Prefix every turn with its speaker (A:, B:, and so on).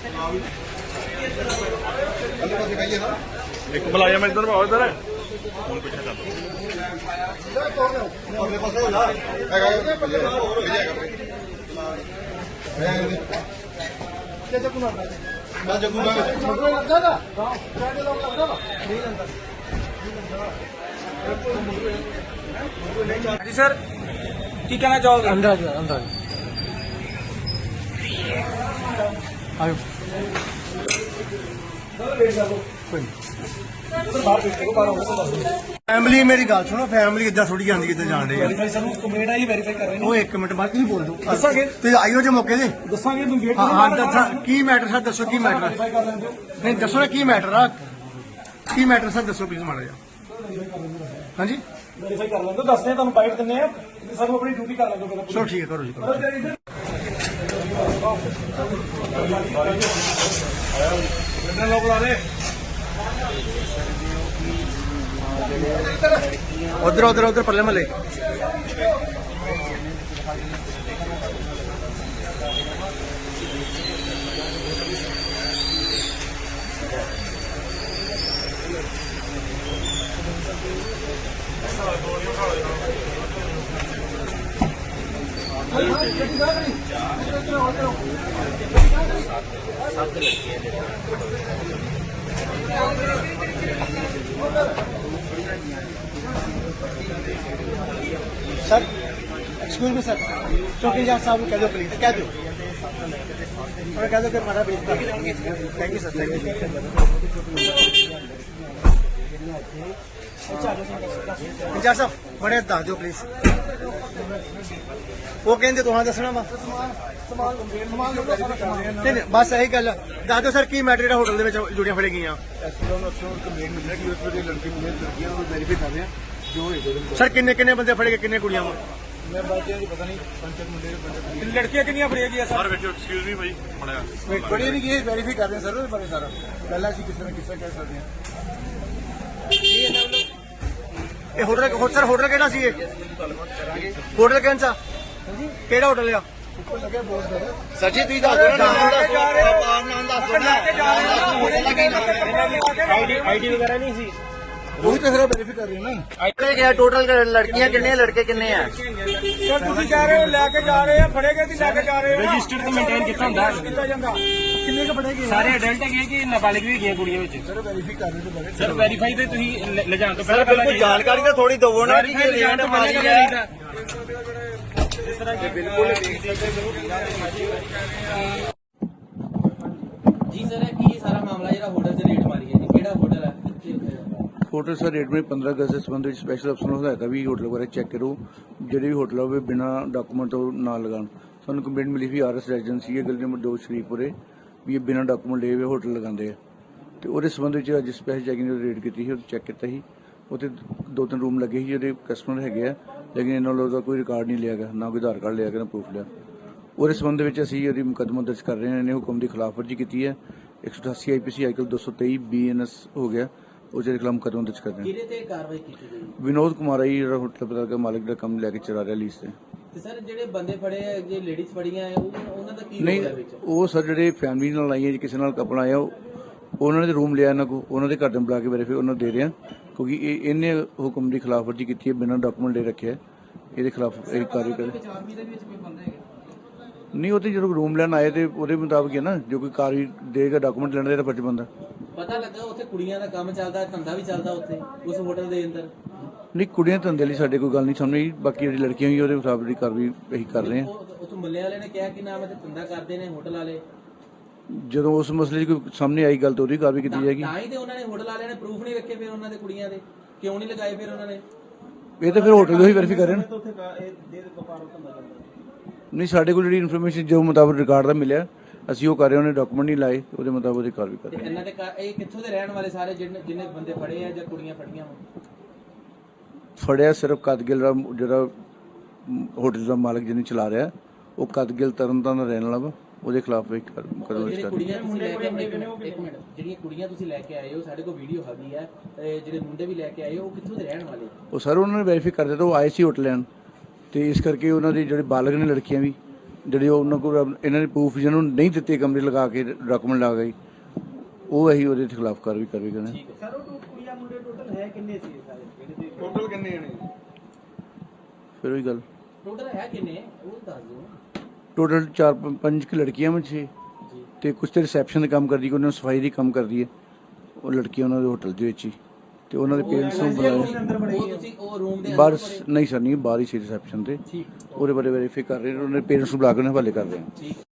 A: एक बुलाया मैं इधर आओ इधर फोन पीछे
B: जी सर की कहना चाहोगे?
C: अंदर अंदर आयो फैमिली मेरी गल सुनो फैमिली इदा थोड़ी जाती कितने जान रही वो एक मिनट बाद तुम बोल दो आइयो जो मौके से हाँ की मैटर सर दसो की मैटर नहीं दसो ना की मैटर आ की मैटर सर दसो प्लीज माड़ा जा हाँ जी
B: वेरीफाई कर लेंगे दसने तुम बाइट दिने सब अपनी ड्यूटी कर लेंगे
C: चलो ठीक है करो जी करो
A: लोग ला रहे
C: उधर उधर उधर पल्ले मले सर एक्सक्यूज मी सर चौकीदार साहब कह दो प्लीज कह दो और कह दो कि हमारा भेज thank you sir thank you incharge साहब बड़े दस दो प्लीज वो कहते तुम दसना वा नहीं बस यही गल दस दो सर की मैटर होटल जुड़िया फड़ी गई सर किन्ने किन्ने बंदे फड़े गए किन्ने कुड़ियां
B: लड़कियां कितनी फड़िया गई
A: सर बेटो एक्सक्यूज मी भाई पढ़ाया
C: बड़ी नहीं की वेरीफाई कर रहे हैं सर बड़े सारा पहला किसी ने किस कह सकते हैं होटल सर होटल केड़ा सी होटल कौन सा केड़ा होटल है सर जी तुम
B: आईडी वगैरह नहीं सी
C: वही तो सर वेरीफाई कर रहे हैं ना
D: टोटल लड़कियां कितने लड़के कितने हैं
B: सर तुम कह रहे हो लैके जा रहे हैं फड़े गए लैके जा रहे हो रजिस्टर्ड तो मेंटेन कितना होता है
C: किन्ने का पड़ेगी
B: सारे अडल्ट है कि नाबालिग भी गए कुड़ियां विच
C: सर वेरीफाई कर रहे थे
B: सर वेरीफाई तो तुम ले जान तो
D: सर बिल्कुल जानकारी तो थोड़ी दो ना कि ये रेट मारी है बिल्कुल
E: जी सर की सारा मामला जो होटल से रेट मारी है जी केड़ा होटल है
F: होटल सर रेट में 15 अगस्त के संबंध में स्पैशल अफसर ਨੂੰ ਹਦਾਇਤ ਵੀ ਹੋਟਲ ਬਾਰੇ ਚੈੱਕ ਕਰੋ ਜਿਹੜੇ ਵੀ ਹੋਟਲ ਹੋਵੇ ਬਿਨਾ ਡਾਕੂਮੈਂਟ ਤੋਂ ਨਾ ਲਗਾਉਣ ਸਾਨੂੰ ਕੰਪਲੇਂਟ ਮਿਲੀ ਸੀ ਆਰਐਸ ਰੈਜ਼ੀਡੈਂਸੀ ਹੈ ਗਲੀ ਨੰਬਰ 2 ਸ਼ਰੀਫਪੁਰੇ ਵੀ ਇਹ ਬਿਨਾ ਡਾਕੂਮੈਂਟ ਲਏ ਹੋਏ ਹੋਟਲ ਲਗਾਉਂਦੇ ਆ ਤੇ ਉਹਦੇ ਸੰਬੰਧ ਵਿੱਚ ਅੱਜ ਸਪੈਸ਼ਲ ਚੈਕਿੰਗ ਦੀ ਰੇਡ ਕੀਤੀ ਸੀ ਉਹ ਚੈੱਕ ਕੀਤਾ ਸੀ ਉੱਥੇ 2-3 ਰੂਮ ਲੱਗੇ ਸੀ ਜਿਹੜੇ ਕਸਟਮਰ ਹੈਗੇ ਆ ਲੇਕਿਨ ਇਹਨਾਂ ਵੱਲੋਂ ਦਾ ਕੋਈ ਰਿਕਾਰਡ ਨਹੀਂ ਲਿਆ ਗਿਆ ਨਾ ਕੋਈ ਆਧਾਰ ਕਾਰਡ ਲਿਆ ਗਿਆ ਨਾ ਪ੍ਰੂਫ ਲਿਆ ਉਹਦੇ ਸੰਬੰਧ ਵਿੱਚ ਅਸੀਂ ਇਹਦੀ ਮੁਕੱਦਮਾ ਦਰਜ ਕਰ ਰਹੇ ਹਾਂ ਇਹਨੇ ਹੁਕਮ ਦੀ ਖਿਲਾਫਵਰਜੀ ਕੀਤੀ ਹੈ 188 ਆਈਪੀਸੀ ਆਈਕਲ 223 ਬੀਐਨਐਸ ਹੋ ਗਿਆ उसके खिलाफ मुकदमा दर्ज कर रहे हैं
E: कार्रवाई की गई
F: विनोद कुमार ही होटल पता का मालिक का कम लेके चला रहा लीज से
E: सर ਜਿਹੜੇ ਬੰਦੇ ਫੜੇ ਆ ਜੇ ਲੇਡੀਜ਼ ਫੜੀਆਂ ਆ ਉਹਨਾਂ ਦਾ ਕੀ
F: नहीं वो सर ਜਿਹੜੇ फैमिली ਨਾਲ ਆਈਆਂ ਜੀ ਕਿਸੇ ਨਾਲ ਕਪਲ ਆਇਆ ਉਹਨਾਂ ਨੇ ਰੂਮ ਲਿਆ ਇਹਨਾਂ ਕੋ ਉਹਨਾਂ ਦੇ ਘਰ ਦੇ ਬੁਲਾ ਕੇ ਵੈਰੀਫਾਈ ਉਹਨਾਂ ਦੇ ਰਹੇ ਆ ਕਿਉਂਕਿ ਇਹਨੇ ਹੁਕਮ ਦੀ ਖਿਲਾਫਵਰਜੀ ਕੀਤੀ ਹੈ ਬਿਨਾਂ ਡਾਕੂਮੈਂਟ ਲੈ ਰੱਖਿਆ ਇਹਦੇ ਖਿਲਾਫ ਇਹ ਕਾਰਵਾਈ ਕਰੇ नहीं होते जो रूम लेना आए थे मुताबिक है ना जो कोई कार देगा डॉक्यूमेंट लेने का फर्ज बनता
E: पता लगा उत्थे कुड़ियां दा काम चलदा धंधा भी चलदा उत्थे उस होटल दे अंदर
F: नहीं कुड़ियां धंधे ਲਈ ਸਾਡੇ ਕੋਈ ਗੱਲ ਨਹੀਂ ਸਾਹਮਣੇ ਬਾਕੀ ਜਿਹੜੀ ਲੜਕੀਆਂ ਹੋਈ ਉਹਦੇ ਮੁਤਾਬਕ ਦੀ ਕਾਰਵਾਈ ਇਹੀ ਕਰ ਰਹੇ ਹਾਂ
E: ਉੱਥੇ ਮੱਲੇ ਵਾਲੇ ਨੇ ਕਿਹਾ ਕਿ ਨਾਮ ਤੇ ਧੰਦਾ ਕਰਦੇ ਨੇ ਹੋਟਲ ਵਾਲੇ
F: ਜਦੋਂ ਉਸ ਮਸਲੇ 'ਚ ਕੋਈ ਸਾਹਮਣੇ ਆਈ ਗੱਲ ਤਾਂ ਉਹਦੀ ਕਾਰਵਾਈ ਕੀਤੀ ਜਾਏਗੀ
E: ਤਾਂ ਹੀ ਤੇ ਉਹਨਾਂ ਨੇ ਹੋਟਲ ਵਾਲਿਆਂ ਨੇ ਪ੍ਰੂਫ ਨਹੀਂ ਰੱਖੇ ਫਿਰ ਉਹਨਾਂ ਦੇ ਕੁੜੀਆਂ ਦੇ ਕਿਉਂ ਨਹੀਂ ਲਗਾਏ ਫਿਰ ਉਹਨਾਂ ਨੇ
F: ਇਹ ਤਾਂ ਫਿਰ ਹੋਟਲ ਤੋਂ ਹੀ ਵੈਰੀਫਾਈ ਕਰ ਰਹੇ ਨੇ ਨਹੀਂ ਸਾਡੇ ਕੋਲ ਜਿਹੜੀ ਇਨਫੋਰਮੇਸ਼ਨ ਜੋ ਮੁਤਾਬਕ ਰਿਕਾਰਡ ਦਾ ਮਿਲਿਆ ਅਸੀਂ ਉਹ ਕਰ ਰਹੇ ਉਹਨੇ ਡਾਕੂਮੈਂਟ ਨਹੀਂ ਲਾਏ ਉਹਦੇ ਮੁਤਾਬਕ ਉਹਦੀ ਕਾਰਵਾਈ ਕਰ ਰਹੇ
E: ਇਹਨਾਂ ਦੇ ਇਹ ਕਿੱਥੋਂ ਦੇ ਰਹਿਣ ਵਾਲੇ ਸਾਰੇ ਜਿੰਨੇ ਬੰਦੇ ਫੜੇ ਆ ਜਾਂ ਕੁੜੀਆਂ ਫੜੀਆਂ
F: ਫੜਿਆ ਸਿਰਫ ਕਦਗਿਲ ਦਾ ਜਿਹੜਾ ਹੋਟਲ ਦਾ ਮਾਲਕ ਜਿਹਨੇ ਚਲਾ ਰਿਹਾ ਉਹ ਕਦਗਿਲ ਤਰਨਤਾਰਨ ਦਾ ਰਹਿਣ ਵਾਲਾ ਵਾ ਉਹਦੇ ਖਿਲਾਫ ਇੱਕ ਮੁਕੱਦਮਾ ਦਰਜ ਕਰ
E: ਕੁੜੀਆਂ ਤੁਸੀਂ ਲੈ ਕੇ ਇੱਕ ਮਿੰਟ ਜਿਹੜੀਆਂ ਕੁੜੀਆਂ ਤੁਸੀਂ ਲੈ ਕੇ ਆਏ ਹੋ ਸਾਡੇ ਕੋਲ ਵੀਡੀਓ ਹੈਗੀ ਹੈ ਜਿਹੜੇ ਮੁੰਡੇ ਵੀ ਲੈ ਕੇ ਆਏ ਹੋ ਉਹ ਕਿੱਥੋਂ ਦੇ ਰਹਿਣ ਵਾਲੇ
F: ਉਹ ਸਰ ਉਹਨਾਂ ਨੇ ਵੈਰੀਫਾਈ ਕਰ ਦਿੱਤਾ ਉਹ ਆਏ ਸੀ ਹੋਟਲ ਲੈਣ ਤੇ ਇਸ ਕਰਕੇ ਉਹਨਾਂ ਦੇ ਜਿਹੜੇ ਬਾਲਗ ਨੇ ਲੜਕੀਆਂ ਵੀ ਜਿਹੜੇ ਉਹਨਾਂ ਕੋਲ ਇਹਨਾਂ ਨੇ ਪ੍ਰੂਫ ਜਿਹਨਾਂ ਨੂੰ ਨਹੀਂ ਦਿੱਤੇ ਕਮਰੇ ਲਗਾ ਕੇ ਡਾਕੂਮੈਂਟ ਲਾ ਗਏ ਉਹ ਅਸੀਂ ਉਹਦੇ ਖਿਲਾਫ ਕਾਰਵਾਈ ਕਰਨੀ।
E: ਸਰ ਉਹ ਕੁੜੀਆਂ ਮੁੰਡੇ ਟੋਟਲ ਹੈ ਕਿੰਨੇ ਸੀ ਸਾਰੇ ਜਿਹੜੇ
B: ਟੋਟਲ ਕਿੰਨੇ ਨੇ?
F: ਫਿਰ ਉਹੀ ਗੱਲ
E: ਟੋਟਲ ਹੈ ਕਿੰਨੇ ਉਹ ਦੱਸ ਦਿਓ।
F: ਟੋਟਲ 4-5 ਲੜਕੀਆਂ ਵਿੱਚ ਛੇ ਤੇ ਕੁਝ ਤੇ ਰਿਸੈਪਸ਼ਨ ਦਾ ਕੰਮ ਕਰਦੀ, ਉਹਨਾਂ ਨੂੰ ਸਫਾਈ ਦੀ ਕੰਮ ਕਰਦੀ ਹੈ ਉਹ ਲੜਕੀਆਂ ਉਹਨਾਂ ਦੇ ਹੋਟਲ ਦੇ ਵਿੱਚ ਹੀ, ਤੇ ਉਹਨਾਂ ਦੇ ਪੇਰੈਂਟਸ ਨੂੰ ਬੁਲਾਇਆ
E: ਉਹ ਤੁਸੀਂ ਉਹ ਰੂਮ ਦੇ
F: ਬਾਹਰ ਨਹੀਂ ਸਰ ਨਹੀਂ ਬਾਹਰ ਹੀ ਸੀ ਰਿਸੈਪਸ਼ਨ ਤੇ ਉਹਦੇ ਬਾਰੇ ਵੈਰੀਫਾਈ ਕਰ ਰਹੇ ਨੇ, ਉਹਨਾਂ ਦੇ ਪੇਰੈਂਟਸ ਨੂੰ ਬੁਲਾ ਕੇ ਉਹਨਾਂ ਹਵਾਲੇ ਕਰ ਰਹੇ ਹਾਂ।